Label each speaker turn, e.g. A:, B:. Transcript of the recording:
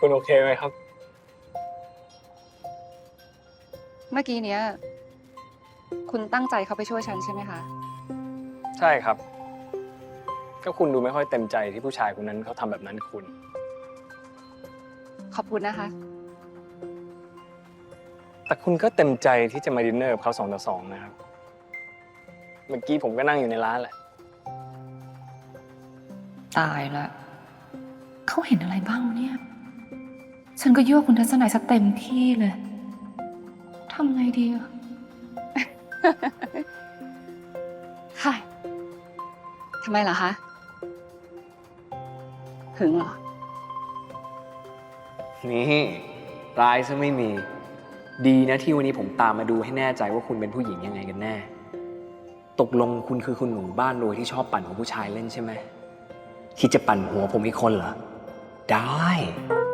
A: คุณโอเคไหมครับ
B: เมื่อกี้เนี้ยคุณตั้งใจเขาไปช่วยฉันใช่ไหมคะ
A: ใช่ครับ ก็คุณดูไม่ค่อยเต็มใจที่ผู้ชายคนนั้นเขาทำแบบนั้นกับคุณ
B: ขอบคุณนะคะ
A: แต่คุณก็เต็มใจที่จะมาดินเนอร์กับเขา2 ต่อ 2นะครับ เมื่อกี้ผมก็นั่งอยู่ในร้านแหละ
C: ตายละเขาเห็นอะไรบ้างเนี่ย ฉันก็ยั่วคุณทัศนัยซะเต็มที่เลยทำไงดีอะ
B: ค่ะทำไมล่ะคะ หึงเหรอ
D: นี่ร้ายซะไม่มี ดีนะที่วันนี้ผมตามมาดูให้แน่ใจว่าคุณเป็นผู้หญิงยังไงกันแน่ ตกลงคุณคือคุณหนูบ้านรวยที่ชอบปั่นของผู้ชายเล่นใช่ไหมคิดจะปั่นหัวผมอีกคนเหรอ ได้